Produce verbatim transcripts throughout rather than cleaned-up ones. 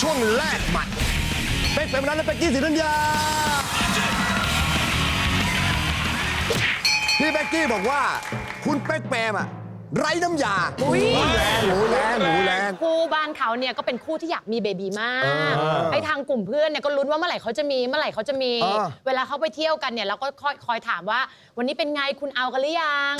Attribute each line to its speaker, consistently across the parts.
Speaker 1: ช่วงแรกหมัดเป๊กเป็นมนัสและเป๊กกี้ศรีธัญญาพี่เป๊กกี้บอกว่าคุณเป๊กแปมอะไร้น้ำยา
Speaker 2: อุ้ย
Speaker 1: แรงหมูแรงหมูแรง
Speaker 2: คู่บ้านเขาเนี่ยก็เป็นคู่ที่อยากมีเบบีมากไอ้ทางกลุ่มเพื่อนเนี่ยก็ลุ้นว่าเมื่อไหร่เขาจะมีเมื่อไหร่เขาจะมี เวลาเขาไปเที่ยวกันเนี่ยเราก็คอยคอยถามว่า วันนี้เป็นไงคุณเอากันหรือยัง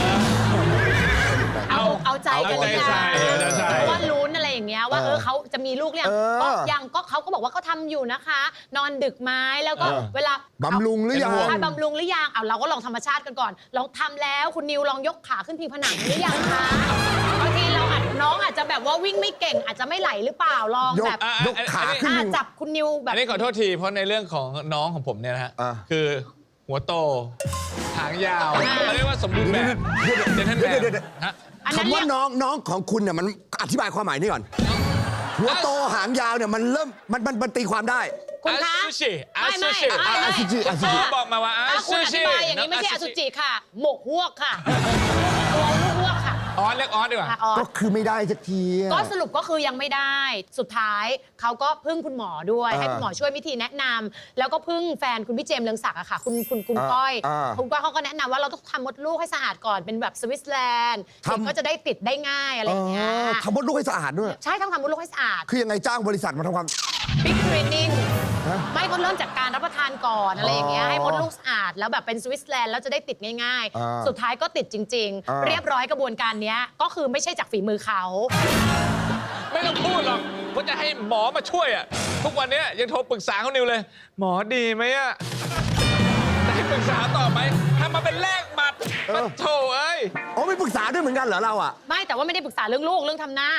Speaker 2: เอาเอาใจกันหรือยังเพราะว่าลุ้นอะไรอย่างเงี้ยว่าเออเขาจะมีลูกเนี่ยก็ยังก็เขาก็บอกว่าเขาทำอยู่นะคะ นอนดึกไหมแล้วก็เวลา
Speaker 1: บำรุงหรือยัง
Speaker 2: ใช่บำรุงหรือยังเอาเราก็ลองธรรมชาติกันก่อนลองทำแล้วคุณนิวลองยกขาขึ้นพิงผนังหรือยังคะบางทีเราอาจน้องอาจจะแบบว่าวิ่งไม่เก่งอาจจะไม่ไหลหรือเปล่าลองแบบ
Speaker 1: ยกขาขึ้น
Speaker 2: อ่ะจับคุณนิวแบบ
Speaker 3: อันนี้ขอโทษทีเพราะในเรื่องของน้องของผมเนี่ยนะฮะ
Speaker 1: อ่า
Speaker 3: คือหัวโตหางยาวเขาเรียกว่าสมบูรณ์แบบเจนเทนแบบฮะ
Speaker 2: อันนั้น
Speaker 1: คำว่า
Speaker 2: เรียก
Speaker 1: น้องน้องของคุณเนี่ยมันอธิบายความหมายนี่ก่อน หัวโตหางยาวเนี่ยมันเริ่มมันมันมันตีความได้
Speaker 2: คุณคะ
Speaker 3: อาซูชิอา
Speaker 2: ไม่
Speaker 3: ซู
Speaker 2: ไม่
Speaker 3: ชิ
Speaker 2: ไม่
Speaker 1: อาซูชิอาซูชิ
Speaker 3: พ่อบอกมาว่าอา
Speaker 2: ถ้าคุ
Speaker 3: ซู
Speaker 2: ณอ
Speaker 3: ชิ
Speaker 2: ธิบายอย่างนี้ไม่ใช่อสุจิค่ะ หมกฮวกค่ะตัวฮวกค่ะ
Speaker 3: ออสเรียกออสดีกว่า
Speaker 2: อ่ะออ
Speaker 1: ก็
Speaker 2: ส
Speaker 1: คือไม่ได้สักทีอะ
Speaker 2: ก็สรุปก็คือยังไม่ได้ สุดท้ายเขาก็พึ่งคุณหมอด้วย
Speaker 1: อ่า
Speaker 2: ให้คุณหมอช่วยวิธีแนะนำแล้วก็พึ่งแฟนคุณพี่เจมส์เรืองศักดิ์อะค่ะ คุณคุณคุณ
Speaker 1: อ่า
Speaker 2: ก้อย
Speaker 1: อ่า
Speaker 2: คุณก้อยเขาก็แนะนำว่าเราต้องทำมดลูกให้สะอาดก่อนเป็นแบบสวิตเซอร์แลนด์
Speaker 1: ทำ
Speaker 2: เด็กก็จะได้ติดได้ง่ายอะไรอย่างเงี้ย
Speaker 1: เออทำมดลูกให้สะอาดด้วย
Speaker 2: ใช่ต้องทำมดลูกให้สะอาด
Speaker 1: คือยังไงจ้างบริษัทมาทำความ
Speaker 2: บิ๊กเทรนนิ่ง
Speaker 1: ฮะ
Speaker 2: ไม่ก็เริ่มจากการรับประทานก่อนอะไรอย่างเงี้ย
Speaker 1: อ๋อ
Speaker 2: ให้มดลูกสะอาดแล้วแบบเป็นสวิตเซอร์แลนด์แล้วจะได้ติดง่าย
Speaker 1: อ่า
Speaker 2: ๆ สุดท้ายก็ติดจริง
Speaker 1: อ่า
Speaker 2: ๆ เรียบร้อยกระบวนการเนี้ยก็คือไม่ใช่จากฝีมือเขา
Speaker 3: ไม่ต้องพูดหรอกว่าจะให้หมอมาช่วยอ่ะทุกวันนี้ยังโทรปรึกษาเขานิวเลย หมอดีไหมอ่ะจะให้ปรึกษาต่อไหมทำมาเป็นแลกหมัดมันโถเอ้ย
Speaker 1: อ๋อไม่ปรึกษาด้วยเหมือนกันเหรอเราอ่ะ
Speaker 2: ไม่แต่ว่าไม่ได้ปรึกษาเรื่องลูกเรื่องทำหน้า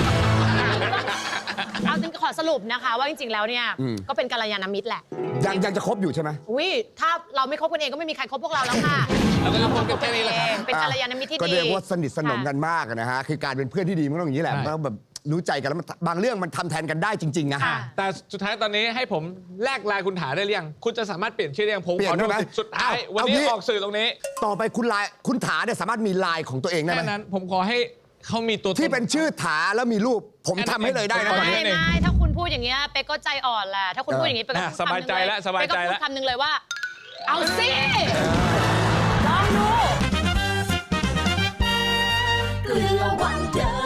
Speaker 2: เอาจริงขอสรุปนะคะ ว่าจริงๆแล้วเนี่ย
Speaker 1: อืม
Speaker 2: ก็เป็นกัลยาณมิตรแหละ
Speaker 1: ยังยังจะคบอยู่ใช่ไหม
Speaker 2: อุ้ยถ้าเราไม่คบกันเองก็ไม่มีใครคบพวกเราแล้วค่ะ
Speaker 3: เราก็จะคบกันแค่นี้แหละครับ
Speaker 2: เป็นกัลยาณมิตรที่ดี
Speaker 1: ก็เรียกว่าสนิทสนม
Speaker 2: ค่ะ
Speaker 1: กันมากนะฮะ คือการเป็นเพื่อนที่ดีมันต้องอย่างนี้แหละ
Speaker 3: ใช่
Speaker 1: มันต้องแบบรู้ใจกันแล้วมันบางเรื่องมันทำแทนกันได้จริง ๆ นะ
Speaker 2: ค่ะ
Speaker 3: แต่สุดท้ายตอนนี้ให้ผมแลกลายคุณถาได้หรือยัง คุณจะสามารถเปลี่ยนชื่อได้ยังผม
Speaker 1: เปลี่ย
Speaker 3: ขอน
Speaker 1: ได้
Speaker 3: ดู
Speaker 1: ไหม
Speaker 3: สิทธิ์สุดท้าย
Speaker 1: เอา
Speaker 3: วัน
Speaker 1: เอา
Speaker 3: นี้
Speaker 1: งี้
Speaker 3: ออกสื่อตรงนี้
Speaker 1: ต่อไปคุณไลน์คุณถาเนี่ยสามารถมีไลน์ของตัวเองได้ไหม
Speaker 3: แค่นั้นผมขอให้เขามีตัวต
Speaker 1: ที่เป็นชื่อถาแล้วมีรูป ผมทำให้เลยได้นะตอน
Speaker 2: ไม่
Speaker 1: นี้
Speaker 3: เอง
Speaker 2: ไม่ถ้าคุณพูดอย่างเงี้ยเป๊กก็ใจอ่อนแหละถ้าคุณพูดอย่างงี้เป๊กก็
Speaker 3: อ่ะ
Speaker 2: พูด
Speaker 3: สบายใจแล้วสบายใจแล้ว
Speaker 2: เป๊กก็พูดคำหนึ่งเลยว่า เอาสิลองดู
Speaker 4: เกลือวันเดอ